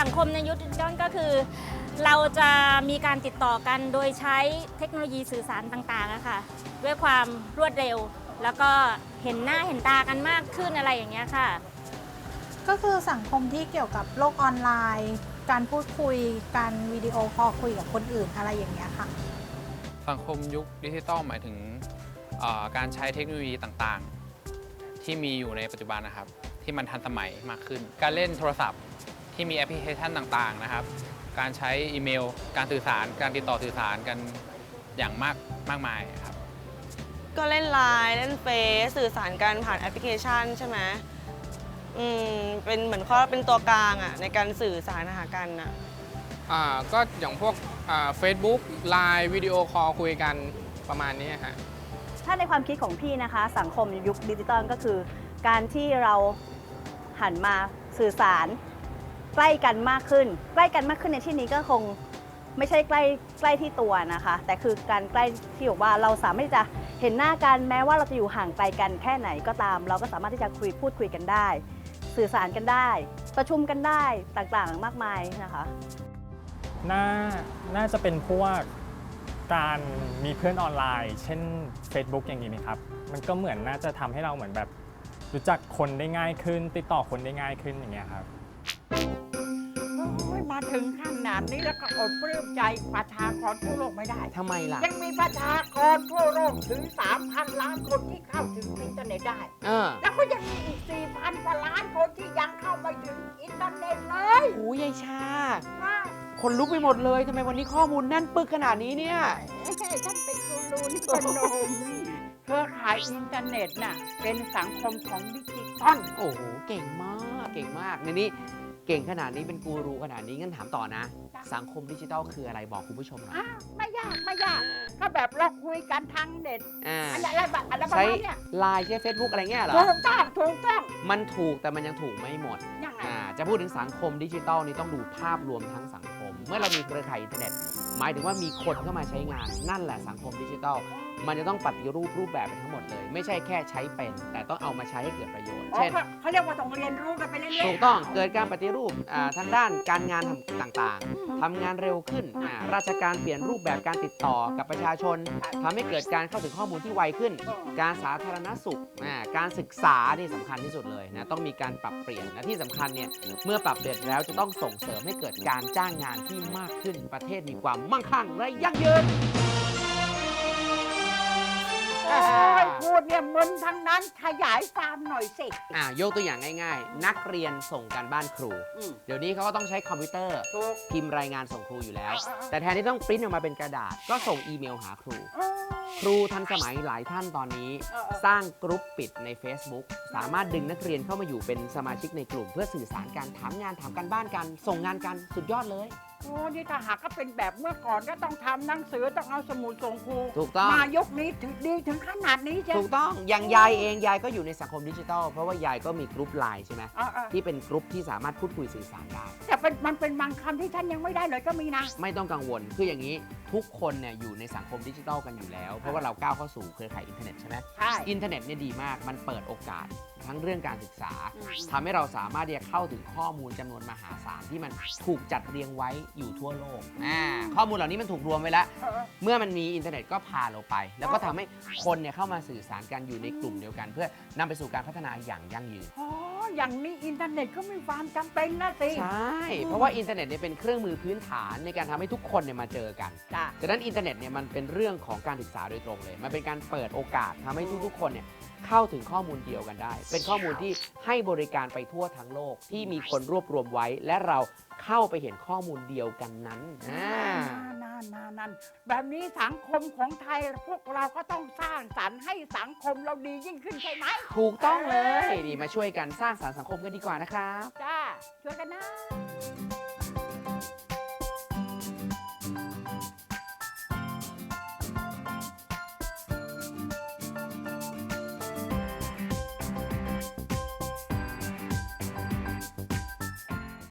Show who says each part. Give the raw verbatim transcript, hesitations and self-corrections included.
Speaker 1: สังคมในยุคดิจิทัลก็คือเราจะมีการติดต่อกันโดยใช้เทคโนโลยีสื่อสารต่างๆอะค่ะด้วยความรวดเร็วแล้วก็เห็นหน้าเห็นตากันมากขึ้นอะไรอย่างเงี้ยค่ะ
Speaker 2: ก็คือสังคมที่เกี่ยวกับโลกออนไลน์ การพูดคุยการวิดีโอคอลคุยกับคนอื่นอะไรอย่างเงี้ยค่ะ
Speaker 3: สังคมยุคดิจิทัลหมายถึงการใช้เทคโนโลยีต่างๆที่มีอยู่ในปัจจุบันนะครับที่มันทันสมัยมากขึ้นการเล่นโทรศัพท์ที่มีแอปพลิเคชันต่างๆนะครับการใช้อีเมลการสื่อสารการติดต่อสื่อสารกันอย่างมากมากมายครับ
Speaker 4: ก็เล่นไลน์เล่นเฟซสื่อสารกันผ่านแอปพลิเคชันใช่ไหมอืมเป็นเหมือนเขาเป็นตัวกลางอ่ะในการสื่อสารหากันอ่ะ
Speaker 5: อ่าก็อย่างพวกเฟซบุ๊กไลน์วิดีโอคอลคุยกันประมาณนี้ฮะ
Speaker 6: ถ้าในความคิดของพี่นะคะสังคมยุคดิจิตอลก็คือการที่เราหันมาสื่อสารใกล้กันมากขึ้นใกล้กันมากขึ้นในที่นี้ก็คงไม่ใช่ใกล้ใกล้ที่ตัวนะคะแต่คือการใกล้ที่บอกว่าเราสามารถที่จะเห็นหน้ากันแม้ว่าเราจะอยู่ห่างไกลกันแค่ไหนก็ตามเราก็สามารถที่จะคุยพูดคุยกันได้สื่อสารกันได้ประชุมกันได้ต่างๆมากมายนะคะ
Speaker 7: น่าน่าจะเป็นพวกการมีเพื่อนออนไลน์ เช่น Facebook อย่างนี้ไหมครับมันก็เหมือนน่าจะทำให้เราเหมือนแบบรู้จักคนได้ง่ายขึ้นติดต่อคนได้ง่ายขึ้นอย่างเงี้ยครับ
Speaker 8: มาถึงขนาดนี้แล้วก็อดปลื้มใจประชากรทั่วโลกไม่ได้
Speaker 9: ทำไมล่ะ
Speaker 8: ยังมีประชากรทั่วโลกถึง สามพัน ล้านคนที่เข้าถึงอินเทอร์เน็ตได้แล้วก็ยังมีอีก สี่พัน กว่าล้านคนที่ยังเข้าไม่ถึงอินเทอร์เน็ตเลย
Speaker 9: โอ้ยายชาคนลุกไปหมดเลยทำไมวันนี้ข้อมูลแน่นปึกขนาดนี้เนี่ย
Speaker 8: ท่านเป็นกูรูนี่เป็นโนมเครือข่ายอินเทอร์เน็ตน่ะเป็นสังคมของดิจิตอล
Speaker 9: โอ้โหเก่งมากเก่งมากในนี้เก่งขนาดนี้เป็นกูรูขนาดนี้งั้นถามต่อนะสังคมดิจิทัลคืออะไรบอกคุณผู้ชมหน่อย
Speaker 8: ไม่ยากไม่ยากก็แบบเราคุยกันทางเน็ตอะไรแบบอะไรประ
Speaker 9: มา
Speaker 8: ณนี้
Speaker 9: ไลน์ใช้เฟซบุ๊กอะไรเงี้ยเหรอ
Speaker 8: ถูกต้องถูกต้อง
Speaker 9: มันถูกแต่มันยังถูกไม่หมดจะพูดถึงสังคมดิจิทัลนี่ต้องดูภาพรวมทั้งสังคมเมื่อเรามีเครือข่ายอินเทอร์เน็ตหมายถึงว่ามีคนเข้ามาใช้งานนั่นแหละสังคมดิจิทัลมันจะต้องปฏิรูปรูปแบบไปทั้งหมดเลยไม่ใช่แค่ใช้เป็นแต่ต้องเอามาใช้ให้เกิดประโยชน์เช่น
Speaker 8: เขาเรียกว่าต้องเรียนรู้กันไปเรื่อยๆ
Speaker 9: ถูกต้องเกิดการปฏิรูปทางด้านการงานต่างๆทำงานเร็วขึ้นราชการเปลี่ยนรูปแบบการติดต่อกับประชาชนทำให้เกิดการเข้าถึงข้อมูลที่ไวขึ้นการสาธารณสุขการศึกษาที่สำคัญที่สุดเลยนะต้องมีการปรับเปลี่ยนและที่สำคัญเนี่ยเมื่อปรับเปลี่ยนแล้วจะต้องส่งเสริมให้เกิดการจ้างงานที่มากขึ้นประเทศมีความมั่งคั่งและยั่งยืน
Speaker 8: พูดเนี่ยมึนทั้งนั้นขยายความหน่อยสิ
Speaker 9: อ่ายกตัวอย่างง่ายๆนักเรียนส่งการบ้านครูเดี๋ยวนี้เขาก็ต้องใช้คอมพิวเตอร์พิมพ์รายงานส่งครูอยู่แล้วแต่แทนที่ต้องปริ้นออกมาเป็นกระดาษก็ส่งอีเมลหาครูครูทันสมัยหลายท่านตอนนี้สร้างกรุ๊ปปิดใน Facebook สามารถดึงนักเรียนเข้ามาอยู่เป็นสมาชิกในกลุ่มเพื่อสื่อสารการถามงานถามการบ้านกันส่งงานกันสุดยอดเลย
Speaker 8: โอ้นี่ถ้าหากก็เป็นแบบเมื่อก่อนก็ต้องทำหนังสือต้องเอาสมุดส่งครู
Speaker 9: ถูกต้อง
Speaker 8: มายกนี้ถึงดีถึงขนาดนี้ใช่
Speaker 9: ถูกต้องอย่างยายเองยายก็อยู่ในสังคมดิจิทัลเพราะว่ายายก็มีกรุ๊ปไลน์ใช่ไหมที่เป็นกรุ๊ปที่สามารถพูดคุยสื่อสารได้
Speaker 8: แต่เป็นมันเป็นบางคำที่ท่านยังไม่ได้เลยก็มีนะ
Speaker 9: ไม่ต้องกังวลคืออย่างนี้ทุกคนเนี่ยอยู่ในสังคมดิจิทัลกันอยู่แล้วเพราะว่าเราก้าวเข้าสู่เครือข่ายอินเทอร์เน็ตใช่ไหม
Speaker 8: ใช่
Speaker 9: อินเทอร์เน็ตเนี่ยดีมากมันเปิดโอกาสทั้งเรื่องการศึกษาทำให้เราสามารถที่จะเข้าถึงข้อมูลจำนวนมหาศาลที่มันถูกจัดเรียงไว้อยู่ทั่วโลกข้อมูลเหล่านี้มันถูกรวมไว้แล้วเมื่อมันมีอินเทอร์เน็ตก็พาเราไปแล้วก็ทำให้คนเนี่ยเข้ามาสื่อสารกันอยู่ในกลุ่มเดียวกันเพื่อนำไปสู่การพัฒนาอย่างยั่งยืน
Speaker 8: อ๋ออย่างนี้อินเทอร์เน็ตก็มีความจำเป็นนะสิ
Speaker 9: ใช่เพราะว่าอินเทอร์เน็ตเนี่ยเป็นเครื่องมือพื้นฐานในการทำให้ทุกคนเนี่ยมาเจอกันดังนั้นอินเทอร์เน็ตเนี่ยมันเป็นเรื่องของการศึกษาโดยตรงเลยมันเป็นการเปิดโอกาสทำให้ทุกๆคนเนี่ยเข้าถึงข้อมูลเดียวกันได้เป็นข้อมูลที่ให้บริการไปทั่วทั้งโลกที่มีคนรวบรวมไว้และเราเข้าไปเห็นข้อมูลเดียวกันนั้น
Speaker 8: นั่นนั่นนั่นแบบนี้สังคมของไทยพวกเราก็ต้องสร้างสรรค์ให้สังคมเราดียิ่งขึ้นใช่ไหม
Speaker 9: ถูกต้องเลยนี่มาช่วยกันสร้างสรรค์สังคมกันดีกว่านะครับ
Speaker 8: จ้าช่วยกันนะ